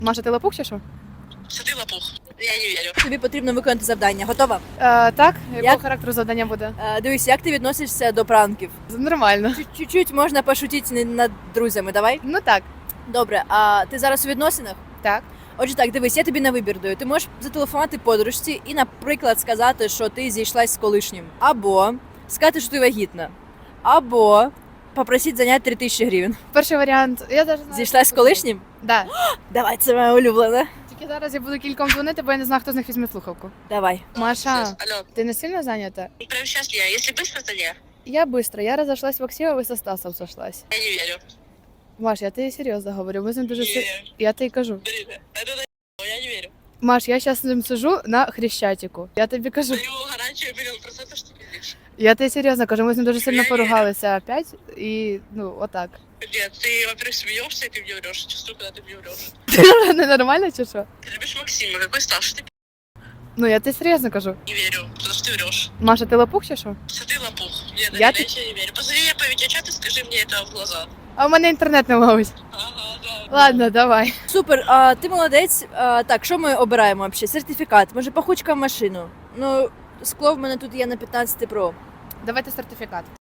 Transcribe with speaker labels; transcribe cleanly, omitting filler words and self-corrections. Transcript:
Speaker 1: Маша, ти лапух чи що?
Speaker 2: Що ти лопух? Я не вірю.
Speaker 3: Тобі потрібно виконати завдання. Готова?
Speaker 1: Так, якого
Speaker 3: Як?
Speaker 1: характеру завдання буде?
Speaker 3: Дивись, як ти відносишся до пранків?
Speaker 1: Нормально.
Speaker 3: Чуть-чуть можна пошутити над друзями, давай?
Speaker 1: Ну так.
Speaker 3: Добре, а ти зараз у відносинах?
Speaker 1: Так.
Speaker 3: Отже, так, дивись, я тобі на вибір даю. Ти можеш зателефонувати подружці і, наприклад, сказати, що ти зійшлась з колишнім. Або сказати, що ти вагітна. Або попросити заняти 3000 гривень.
Speaker 1: Перший варіант. Я навіть знаю.
Speaker 3: Зійшлась з колишнім?
Speaker 1: Да.
Speaker 3: Давай, це моя улюблена.
Speaker 1: Тільки зараз я буду кільком дзвонити, бо я не знаю, хто з них візьме слухавку.
Speaker 3: Давай.
Speaker 1: Маша,
Speaker 2: Алло,
Speaker 1: ти не сильно зайнята?
Speaker 2: прямо сейчас я. Если быстро, то не.
Speaker 1: Я быстро. Я разошлась в Аксіово і со Стасом сошлась.
Speaker 2: Я не вірю.
Speaker 1: Маш, я тобі серйозно говорю. Ми з ним дуже
Speaker 2: Не
Speaker 1: си...
Speaker 2: вірю.
Speaker 1: Я тобі кажу.
Speaker 2: Я не вірю.
Speaker 1: Маш, я зараз з ним сижу на Хрещатику. Я тобі кажу.
Speaker 2: Даю гарантію мільйон процентів, що ти пиздиш.
Speaker 1: Я тобі серйозно кажу, ми з ним дуже сильно
Speaker 2: Я вірю.
Speaker 1: поругалися опять. І, ну, отак.
Speaker 2: Нет, ты, во-первых, смеешься, и ты мне врешь. Чувствую, когда ты мне врешь.
Speaker 1: Ненормально чи що?
Speaker 2: Ты любишь Максима, какой старший ты
Speaker 1: Ну, я тобі серйозно кажу.
Speaker 2: не верю, потому что ты врешь.
Speaker 1: Маша, ти лапух чи що?
Speaker 2: Что ты лопух. Нет,
Speaker 1: Я
Speaker 2: я
Speaker 1: ты-
Speaker 2: тебе не верю. Позови меня по видеочату и скажи мне это в глаза.
Speaker 1: А в мене інтернет не ловить.
Speaker 2: Ага, да.
Speaker 1: Ладно, давай.
Speaker 3: Супер, а ти молодець. Так, що ми обираємо взагалі? Сертифікат, може пахучка в машину? Ну, скло в мене тут є на 15 Pro.
Speaker 1: Давайте сертифікат.